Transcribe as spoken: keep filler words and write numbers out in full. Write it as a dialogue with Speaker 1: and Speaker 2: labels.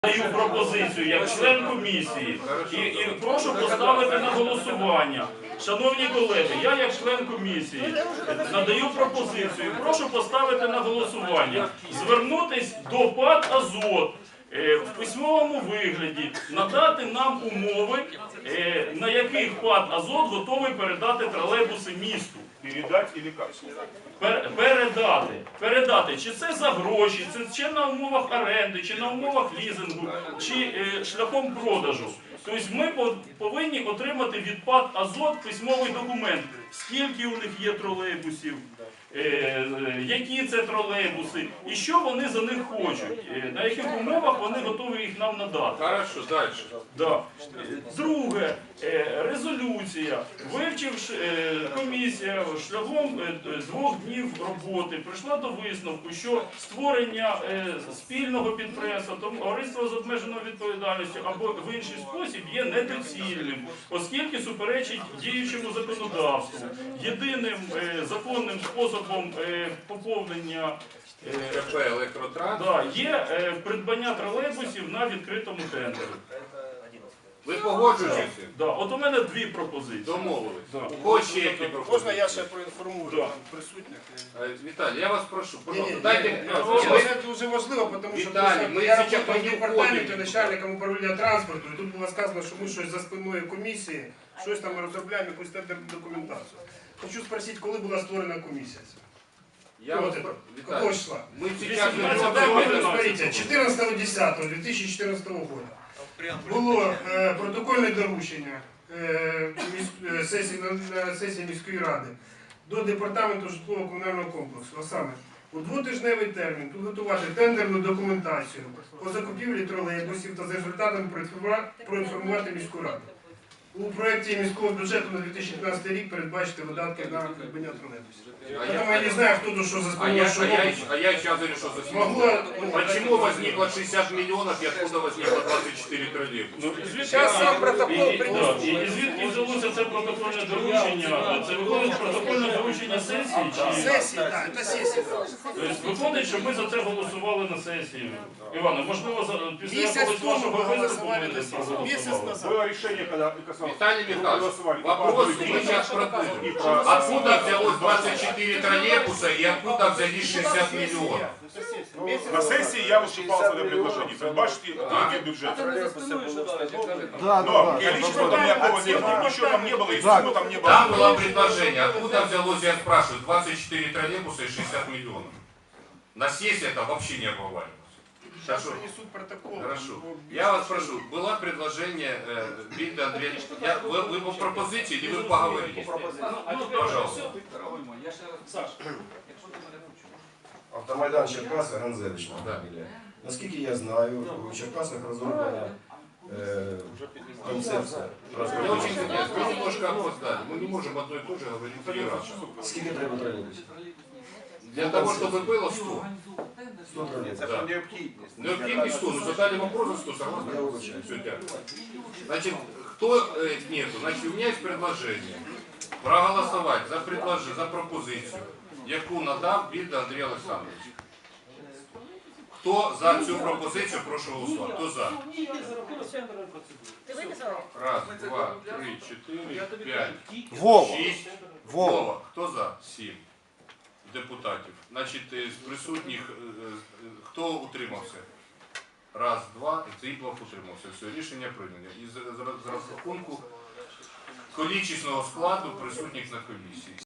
Speaker 1: Даю пропозицію як член комісії і, і прошу поставити на голосування. Шановні колеги, я як член комісії надаю пропозицію, прошу поставити на голосування, звернутись до ПАТ «Азот» в письмовому вигляді, надати нам умови, на яких ПАТ «Азот» готовий передати тролейбуси місту.
Speaker 2: Передать или как?
Speaker 1: Пер, передати. Передати. Чи це за гроші, це чи на умовах оренди, чи на умовах лізингу, чи е, шляхом продажу. Тобто ми повинні отримати від ПАТ «Азот» письмовий документ, скільки у них є тролейбусів, е, які це тролейбуси, і що вони за них хочуть, е, на яких умовах вони готові їх нам надати.
Speaker 2: Хорошо, далі.
Speaker 1: Да. Друге, е, резолюція, вивчивши е, комісія шляхом е, двох днів роботи, прийшла до висновку, що створення е, спільного підприємства, товариства з обмеженою відповідальністю або в інший спосіб є недоцільним, оскільки суперечить діючому законодавству. Єдиним е, законним способом е, поповнення е,
Speaker 2: КП «Електротранс».
Speaker 1: да, є е, придбання тролейбусів на відкритому тендері.
Speaker 2: Ви погоджуєтеся?
Speaker 1: Да, от у мене дві пропозиції.
Speaker 2: Домовились.
Speaker 1: Да.
Speaker 2: У кого ще які пропозиції?
Speaker 3: Можна я ще проінформую
Speaker 1: Да.
Speaker 3: присутніх?
Speaker 2: Е, Віталій, я вас прошу,
Speaker 3: Ні,
Speaker 2: пожалуйста,
Speaker 3: ні,
Speaker 2: дайте...
Speaker 3: ні,
Speaker 2: Ми-
Speaker 3: це дуже важливо, тому що
Speaker 2: Віталій,
Speaker 3: просто
Speaker 2: ми
Speaker 3: я
Speaker 2: зараз
Speaker 3: працював в
Speaker 2: не
Speaker 3: департаменті
Speaker 2: входимо.
Speaker 3: начальником управління транспорту, і тут було сказано, що ми щось за спиною комісії, щось там ми розробляємо, якусь тендерну документацію. Хочу спросити, коли була створена комісія?
Speaker 2: Я
Speaker 3: Вот
Speaker 2: вас
Speaker 3: это.
Speaker 2: про-
Speaker 3: Какого
Speaker 2: Віталій,
Speaker 3: числа?
Speaker 2: ми зараз
Speaker 1: вісімнадцятого
Speaker 3: Так,
Speaker 2: не
Speaker 3: вот,
Speaker 1: года.
Speaker 3: смотрите, четырнадцатого десятого две тысячи четырнадцатого года було е, протокольне доручення е, міс- е, сесії, на, на сесії міської ради до департаменту житлово-комунального комплексу, а саме у двотижневий термін підготувати тендерну документацію по закупівлі тролейбусів та за результатами проінформува- проінформувати міську раду. У проєкті міського бюджету на дві тисячі п'ятнадцятий рік передбачити видатки на придбання тролейбусів.
Speaker 2: А
Speaker 3: Тому
Speaker 2: я-
Speaker 3: я не знаю, хто тут що за
Speaker 2: А
Speaker 3: спиною,
Speaker 2: я,
Speaker 3: що
Speaker 2: а, я,
Speaker 3: робить.
Speaker 2: а я сейчас говорю, что за
Speaker 3: Могло, ну,
Speaker 2: Почему возникло шестьдесят миллионов и откуда возникло двадцать четыре троллейбуса?
Speaker 1: Ну, і звідки-
Speaker 3: Щас сам протокол
Speaker 1: і- і-
Speaker 3: принесу.
Speaker 1: да, І, і звідки взялося це протокольне доручення? Це виходить протокольне доручення сесії? Чи...
Speaker 3: Сесії, так, це сесія.
Speaker 1: Тобто виходить, що ми за це голосували на сесії. Іване, можливо, за, після
Speaker 3: Місяць
Speaker 1: якогось
Speaker 3: тому
Speaker 1: вашого
Speaker 3: ви
Speaker 1: виступу
Speaker 3: голосували
Speaker 1: ми
Speaker 3: на сесії.
Speaker 1: проголосували.
Speaker 3: Місяць назад.
Speaker 4: Было решение, когда касалось.
Speaker 2: Виталий Михайлович,
Speaker 4: голосовали.
Speaker 2: вопрос мы сейчас продумаем. Откуда взялось двадцать четыре троллейбуса и откуда взялись шестьдесят миллионов?
Speaker 4: На сессии я выступал с этим предложением. Предбачьте деньги бюджета.
Speaker 5: Да,
Speaker 4: Но
Speaker 5: да, да.
Speaker 4: количество там никакого не было, ничего там не было, и суммы там не было.
Speaker 2: Там было предложение, откуда взялось, я спрашиваю, двадцать четыре троллейбуса и шестьдесят миллионов. На сессии это вообще не обговаривалось.
Speaker 3: Сейчас
Speaker 2: Хорошо.
Speaker 3: принесут протокол.
Speaker 2: Хорошо. Я вас прошу, было предложение э, Виктор Андреевич, я, вы, вы по пропозиции или вы поговорите? Пожалуйста.
Speaker 5: Автомайдан Черкаси, Ганзевич
Speaker 2: Да.
Speaker 5: фамілія. Наскільки я знаю, у Черкасах розроблена е, концепція.
Speaker 2: Мне очень интересно, вы немножко опоздали. Мы не можем одно и то же говорить три раза.
Speaker 5: Скільки треба тролейбусів?
Speaker 2: Для того, чтобы было сто.
Speaker 5: сто тролейбусів.
Speaker 2: Да. Необходимо сто, но задали вопрос за сто, согласны?
Speaker 5: Я вибачаю.
Speaker 2: Все, дякую. Значит, кто э, нету? Значит, у меня есть предложение проголосовать за предложение, за пропозицию, яку надав Вільда Андрій Олександрович. Хто за цю пропозицію, прошу голосувати. Хто за? Раз, два, три, чотири, п'ять,
Speaker 5: Вова!
Speaker 2: шість.
Speaker 5: Вова!
Speaker 2: Вова. Хто за? Сім депутатів. Значить, з присутніх, е, е, хто утримався? Раз, два, і Циплов утримався. Все, рішення прийнято. І з, з, з розрахунку количественного складу присутніх на комісії.